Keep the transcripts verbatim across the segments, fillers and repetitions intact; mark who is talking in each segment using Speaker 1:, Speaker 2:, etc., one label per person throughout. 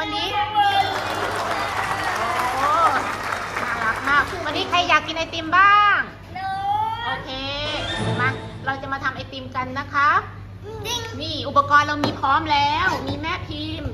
Speaker 1: วันนี้โอ้น่ารักมากวันนี้ใครอยากกินไอติมบ้างโอเคมาเราจะมาทำไอติมกันนะคะนี่อุปกรณ์เรามีพร้อมแล้วมีแม่พิมพ์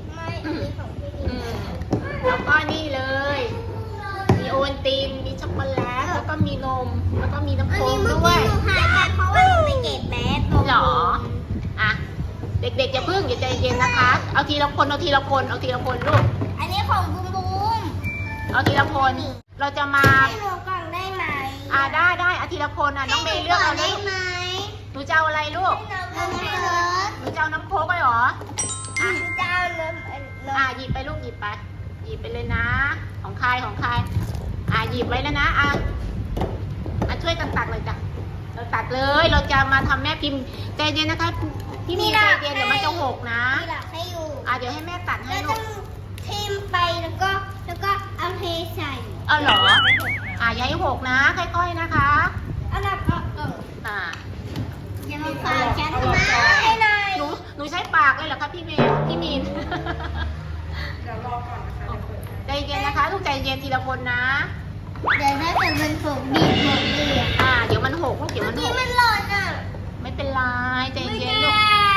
Speaker 1: แล้วก็นี่เลยมีโอวัลตินมีช็อกโกแลตแล้วก็มีนมแล้วก็มีน้ำโค้กด้วย
Speaker 2: หายไปเพราะว่าหนูไปเก็บแบส
Speaker 1: หรออ่ะเด็กๆอย่าพึ่งอย่าใจเย็นนะคะเอาทีละคนเอาทีละคนเอาทีละคนลูก
Speaker 2: อันนี้ของบูมบูม
Speaker 1: เอาทีละคนเราจะมา
Speaker 2: ให้หนูก่อนได้ไหม
Speaker 1: อ่าได้ได้เอาทีละคนอ่ะน้องเมย์เลือกเอาได้
Speaker 2: ไหม
Speaker 1: หนูจะเอาอะไรลูกหนูจะเอาน้ำโค้กไปหรอ
Speaker 2: อ่ะจะเอาน้ำ
Speaker 1: อ่าหยิบไปลูกหยิบไปหยิบไปเลยนะของใครของใครอ่าหยิบไว้แล้วนะอ่ะมาช่วยกันตักเลยจ้ะเราตักเลยเราจะมาทำแม่พิมพ์ใจเย็นนะคะพี่มีใจเย็นเดี๋ยวมันจะหกนะ
Speaker 2: ให้อยู่
Speaker 1: อ่ะเดี๋ยวให้แม่ตัดให้ลูก
Speaker 2: ทิมไปแล้วก็แล้วก็เอาเทใส่
Speaker 1: เอาเหรออ่ะอย่าให้หกนะค่อยๆนะคะ
Speaker 2: อันดับก็เออ
Speaker 1: อ่า
Speaker 2: อย่ามาฝากฉันทำไม
Speaker 1: หนูหนูใช้ปากเลยเหรอคะพี่เมย์พี่มีน
Speaker 3: เดี๋ยวรอก่อนนะคะ
Speaker 1: ใจเย็นนะคะลูกใจเย็นทีละคนนะ
Speaker 2: เดี๋ยวถ้าเกิดมันหกบีบหมดเลย
Speaker 1: อ่าเดี๋ยวมันหกลูกเดี๋ยวมันหก
Speaker 2: มันหล่นอ่ะ
Speaker 1: ไม่เป็นไรใจเย็นลูก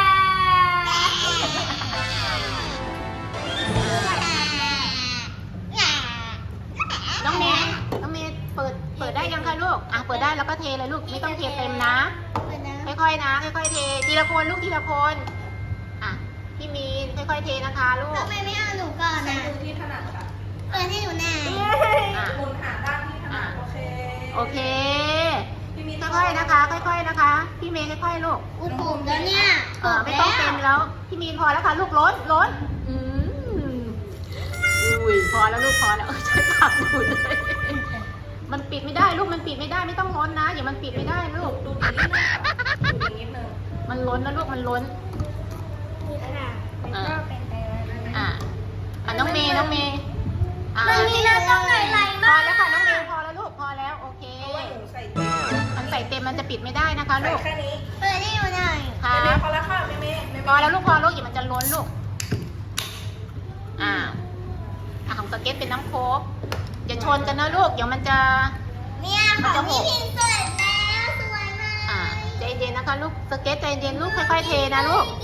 Speaker 1: น้องเมย์น้องเมย์เปิดเปิดได้ยังคะลูกอ่ะเปิดได้แล้วก็เทเลยลูกไม่ต้องเทเต็มนะค่อยๆนะค่อยๆเททีละคนลูกทีละคนอ่ะพี่มีนค่อยๆเทนะคะลูก
Speaker 2: ทำไมไม่เอาหนูก่อนนะ
Speaker 3: ดูที่ถนัดค่ะ
Speaker 2: เปิดให้หนูแน่
Speaker 3: หมุนหาด้านที่ถนัดโอเค
Speaker 1: โอเคค่อยๆนะคะค่อยๆนะคะพี่เมย์ค่อยๆลูก
Speaker 2: อุปมแล้วเนี่ย
Speaker 1: ไม่ต้องเต็มแล้วพี่มีนพอแล้วค่ะลูกล้นล้นอืมอุ้ยพอแล้วลูกพอแล้วใช้ปากดูเลยมันปิดไม่ได้ลูกมันปิดไม่ได้ไม่ต้องล้นนะอย่ามันปิดไม่ได้ลูก
Speaker 3: ดูนิดนึงดูนิดนึง
Speaker 1: มันล้นนะลูกมันล้น
Speaker 2: อ่าเป็นไปแล้วนะ
Speaker 1: อ่าอ่ะน้องเมย์น้องเมย์
Speaker 2: มันมีน้ำต้องไหลๆ
Speaker 1: พอ
Speaker 2: มาก
Speaker 1: แล้วค่ะน้องเมย์พอแล้วลูกพอแล้วโอเคมันใส่เต็มมันจะปิดไม่ได้นะคะลูก
Speaker 3: แค่นี้
Speaker 2: เปิดให้หนูหน่อย
Speaker 1: ค่ะ
Speaker 3: พอแล้วค่ะเมย์เมย์
Speaker 1: พอแล้วลูกพอลูกอย่ามันจะล้นลูกอ่าอ่ะของสเก็ตเป็นน้ำโค้กอย่าชนกันนะลูกเดี๋ยวมันจะ
Speaker 2: เนี่ยของพี่พิมพ์เสร็จแล้วสวยมาก
Speaker 1: อ่าใจเย็นนะคะลูกสเก็ตใจเย็นลูกค่อยๆเทนะลูก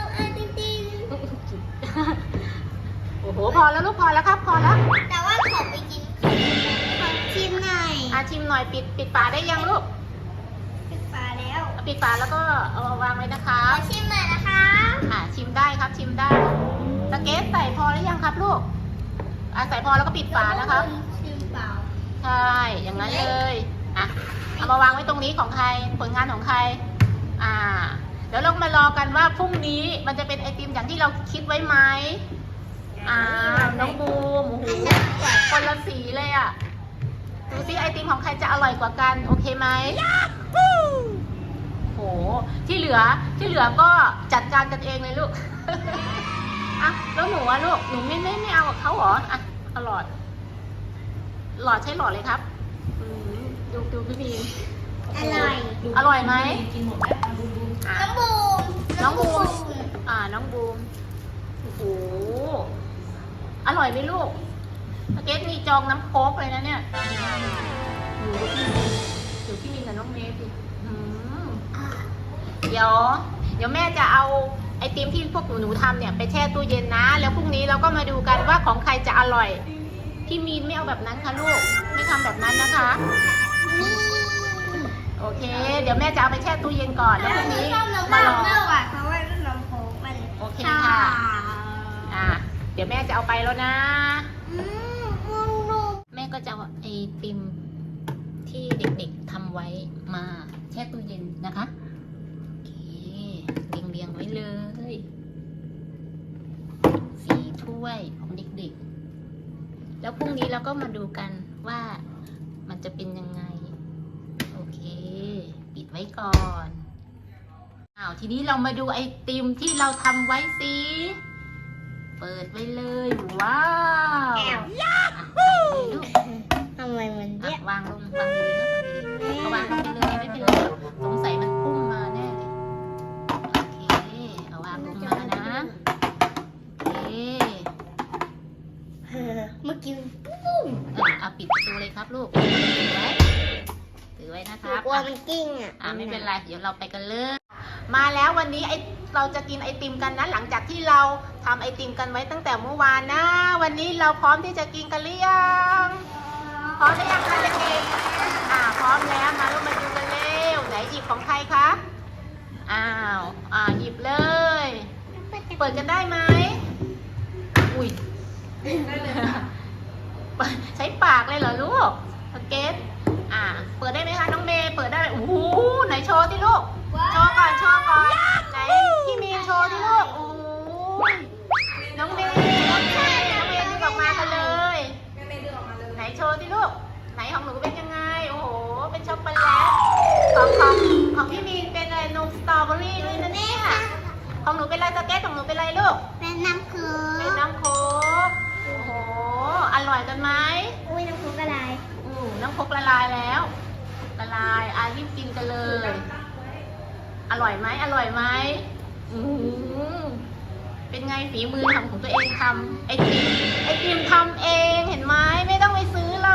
Speaker 1: โอ้โหพอแล้วลูกพอแล้วครับพอแล้ว
Speaker 2: แต่ว่าขอไปกินขอชิมหน่อย
Speaker 1: อ่ะชิมหน่อยปิดปิดฝาได้ยังลูก
Speaker 2: ปิดฝาแล้ว
Speaker 1: ปิดฝาแล้วก็เอาวางไว้นะคะ
Speaker 2: ขอชิมหน่อยนะคะ
Speaker 1: อ่ะชิมได้ครับชิมได้สเก็ตใส่พอหรือยังครับลูกอ่ะใส่พอแล้วก็ปิดฝานะครับ
Speaker 2: ชิมเปล่า
Speaker 1: ใช่อย่างนั้นเลยอ่ะเอามาวางไว้ตรงนี้ของใครผลงานของใครอ่าเดี๋ยวเรามารอกันว่าพรุ่งนี้มันจะเป็นไอติมอย่างที่เราคิดไว้ไหมอ่าน้องบูมโอ้โหคนละสีเลยอ่ะดูซิไอติมของใครจะอร่อยกว่ากันโอเคไหมโหที่เหลือที่เหลือก็จัดการกันเองเลยลูกอ่ะแล้วหนูอะลูกหนูไม่ไม่ไม่เอากับเขาเหรออ่ะเอาหลอดหลอดใช้หลอดเลยครับดูดูพี่พี
Speaker 2: อร่อย
Speaker 1: อร่อยไหม
Speaker 3: กินหมดแล้ว
Speaker 2: น้องบูม
Speaker 1: น้องบูมอ่าน้องบูมโอ้โหอร่อยไหมลูกสเก็ตมีจองน้ำโค้กเลยนะเนี่ยดูพี่มินกับน้องเมย์สิเดี๋ยวเดี๋ยวแม่จะเอาไอติมที่พวกหนูหนูทำเนี่ยไปแช่ตู้เย็นนะแล้วพรุ่งนี้เราก็มาดูกันว่าของใครจะอร่อยพี่มีนไม่เอาแบบนั้นค่ะลูกไม่ทำแบบนั้นนะคะโอเคเดี๋ยวแม่จะเอาไปแช่ตู้เย็นก่อนแล้วพรุ่งนี้
Speaker 2: มาลองเพราะว่าน้ำโค้กมัน
Speaker 1: โอเคค่ะอ่าเดี๋ยวแม่จะเอาไปแล้วนะแม่ก็จะเอาไอติมที่เด็กๆทำไว้มาแช่ตู้เย็นนะคะโอเคเรียงๆไว้เลยสี่ถ้วยของเด็กๆแล้วพรุ่งนี้เราก็มาดูกันว่ามันจะเป็นยังไงโอเคปิดไว้ก่อนอ้าวทีนี้เรามาดูไอติมที่เราทำไว้สิเปิดไว้เลยว้าวลูก
Speaker 2: ทำไมมันเยอะ
Speaker 1: วางลงวางดีๆก็วางลงไปเลยไม่เป็นไรสงสัยมันพุ่งมาแน่เลยโอเคเอาวางลงมานะโอเค
Speaker 2: อ่ะ
Speaker 1: อ่าไม่เป็นไร เดี๋ยวเราไปกันเลย มาแล้ววันนี้ไอเราจะกินไอติมกันนะหลังจากที่เราทำไอติมกันไว้ตั้งแต่เมื่อวานนะ วันนี้เราพร้อมที่จะกินกันหรือยังพร้อมหรือยังคะเด็กๆอ่าพร้อมแล้วมาลูกมาดูกันเร็วไหนหยิบของใครคะอ้าวอ่าหยิบเลย เปิดกันได้ไหมอุ้ย
Speaker 3: ได้เลยค่ะ
Speaker 1: ใช้ปากเลยเหรอลูกสเก็ตอ่า เปิดได้ไหมคะน้องเมย์เปิดได้ไหมโอ้โหไหนโชว์ที่ลูก โชว์ก่อนโชว์ก่อนไหนพี่มีนโชว์ที่ลูกโอ้ยน้องเมย์น้องเมย์น้องเมย์ดึงออกมากันเลย
Speaker 3: แม่เมย์ดึงออกมาเลย
Speaker 1: ไหนโชว์ที่ลูกไหนของหนูเป็นยังไงโอ้โหเป็นช็อกโกแลตของของของพี่มีนเป็นอะไรนมสตรอเบอรี่ด้วยนะเนี่ยของหนูเป็นอะไรสเก็ตของหนูเป็นอะไรลูก
Speaker 2: เป็นน้ำคือ
Speaker 1: เป็นน้ำโค้กโอ้โหอร่อยกันไหม
Speaker 2: อุ้ยน้ำคืออะไร
Speaker 1: อืมน้ำโค้กละลายแล้ว ละลายอ่ะรีบกินกันเลย อร่อยไหมอร่อยไหมอืมเป็นไงฝีมือทำของตัวเองทำไอติมไอติมทำเองเห็นไหมไม่ต้องไปซื้อเลย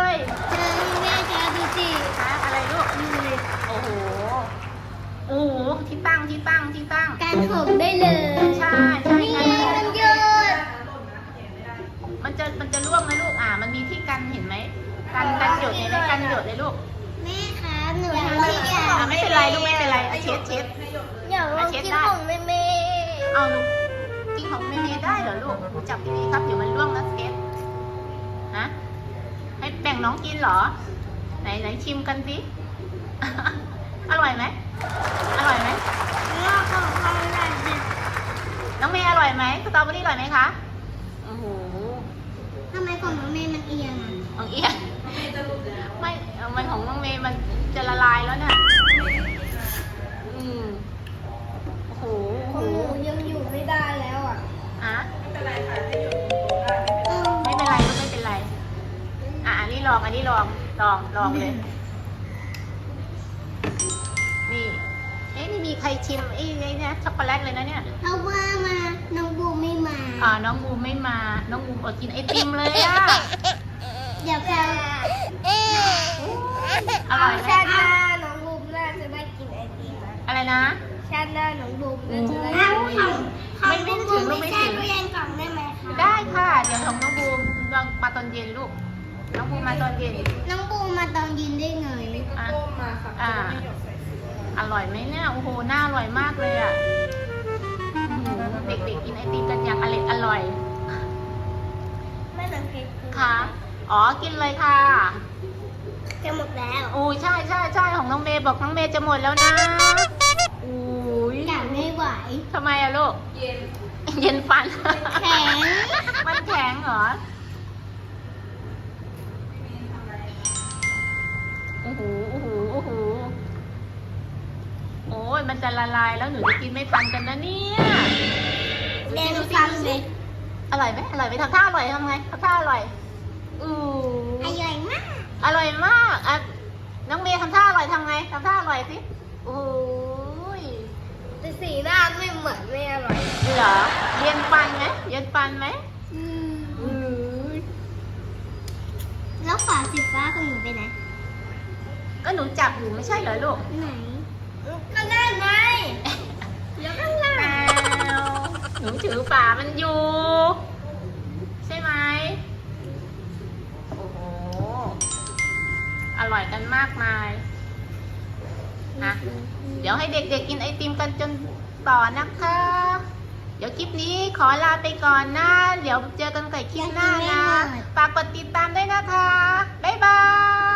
Speaker 2: เธอแม่เธอดูสิ
Speaker 1: ฮะอะไรลูกโอ้โหโอ้โหที่ตั้งที่ตั้งที่ตั้ง
Speaker 2: การผมได้เลย
Speaker 1: ใช่ใช่
Speaker 2: นี่
Speaker 1: ใช่
Speaker 2: ไงมันหยุด
Speaker 1: มันจะมันจะร่วงไหมลูกอ่ามันมีที่กันเห็นไหมกันกันหยดเห็นไหมกันหยดเลยลูก
Speaker 2: แม่คะหนูทำไม่ได้
Speaker 1: อ่าไม่เป็นไรลูกไม่เป็นไรอ่ะเช็ดเช็ด
Speaker 2: อยากลองกินของแม่แม่
Speaker 1: เอาลูกกินของเมเมได้เหรอลูกหนูจับดีๆครับเดี๋ยวมันร่วงนะสเก็ตฮะให้แบ่งน้องกินเหรอ ไหนไหนชิมกันสิ อร่อยไหมอร่อยไหม
Speaker 2: งอกของเขาได้สิ
Speaker 1: น้องเมย์อร่อยไหมสตรอเบอรี่อร่อยไหมคะโอ้โห
Speaker 2: ทำไมของน้องแม่มันเอียงอ่ะ
Speaker 1: ของเอียน
Speaker 3: แม่จะรู้แล้ว
Speaker 1: ไม่เอามันของน้องเมย์มันจะละลายแล้วเนี่ยอืมโอ้โห
Speaker 2: ข
Speaker 1: โอ้
Speaker 2: อง
Speaker 1: โห
Speaker 2: หนูยังอยู่ไม่ได้แล้วอ่ะ
Speaker 1: อ่ะ
Speaker 3: ไม่เป็นไรค่ะให้อยู่บนโต๊ะได้ไม่เป็นไร
Speaker 1: ไม่เป็นไรลูกไม่เป็นไร อ่ะอันนี้ลองอันนี้ลองลองลองเลย นี่ เอ๊ะนี่มีใครชิมไอ้ไอ้เนี่ยช็อกโกแลตเลยนะเนี่ย
Speaker 2: เพราะว่ามาน้องบูมไม่มา
Speaker 1: อ่าน้องบูมไม่มา น้องบูมอดกินไอติมเลยอ่ะ
Speaker 2: เดี๋ยวเขา
Speaker 1: อร่อยไหม
Speaker 2: ชาติหน้าน้องบูมน่าจะได้กินไอติมนะ
Speaker 1: อะไรนะ
Speaker 2: ชาติหน้าน้องบูมน่าจะได้
Speaker 1: โอ้
Speaker 2: กิน
Speaker 1: ยไม่ไม่ถึงลูกไม่ถึง
Speaker 2: ตู้เย็นกล่องได้ไหมคะ
Speaker 1: ได้ค่ะ เดี๋ยวของน้องบูมลองมาตอนเย็นลูก น้องบูมมาตอนเย็น
Speaker 2: น้องบูมมาตอนยินได้ไง
Speaker 1: อ่ะ
Speaker 3: ก้มมาค่ะ
Speaker 1: อ่า
Speaker 3: ไม่หยดใส่สี
Speaker 1: อร่อยไหมเนี่ย โอ้โห น่าอร่อยมากเลยอ่ะอื้อหือเด็กๆกินไอติมกันอย่างอร่อยอร่อย
Speaker 2: ไม่ต้องเค้ก
Speaker 1: ค่ะ อ๋อ กินเลยค่ะ
Speaker 2: จะหมดแล้ว
Speaker 1: โอ้ยใช่ใช่ใช่ของน้องเมย์บอกน้องเมย์จะหมดแล้วนะอุ้ย
Speaker 2: อยากไม่ไหว
Speaker 1: ทำไมอะลูก
Speaker 3: เย็น
Speaker 1: เย็นฟัน
Speaker 2: แข็ง
Speaker 1: มันแข็งเหรอ โอ้โห โอ้โห โอ้โห โอ้ยมันจะละลายแล้วหนูจะกินไม่ทันกันนะเนี่ย
Speaker 2: เดนฟังเลย
Speaker 1: อร่อยไหมอร่อยไหมทำท่าอร่อยทำไงทำท่าอร่อยอู้
Speaker 2: อร่อยมาก
Speaker 1: อร่อยมากอ่ะน้องเมย์ทำท่าอร่อยทำไงทำท่าอร่อยสิโอ้ย
Speaker 2: แต่สีหน้าไม่เหมือนไม่อร่อย
Speaker 1: เหรอเย็นฟันไหมเย็นฟันไหม
Speaker 2: อืม
Speaker 1: อือ
Speaker 2: แล้วฝาสีฟ้าของหนูไปไหน
Speaker 1: ก็หนูจับอยู่ไม่ใช่เหรอลูก
Speaker 2: ไหนก็ได้ไงเดี๋ยวข้างล่าง
Speaker 1: อ้าวหนูถือฝามันอยู่ ใช่ไหมโอ้โหอร่อยกันมากมายนะเดี๋ยวให้เด็กๆกินไอติมกันจนต่อนะคะ เดี๋ยวคลิปนี้ขอลาไปก่อนนะ เดี๋ยวเจอกันใหม่คลิปหน้านะ ฝากกดติดตามด้วยนะคะ บ๊ายบาย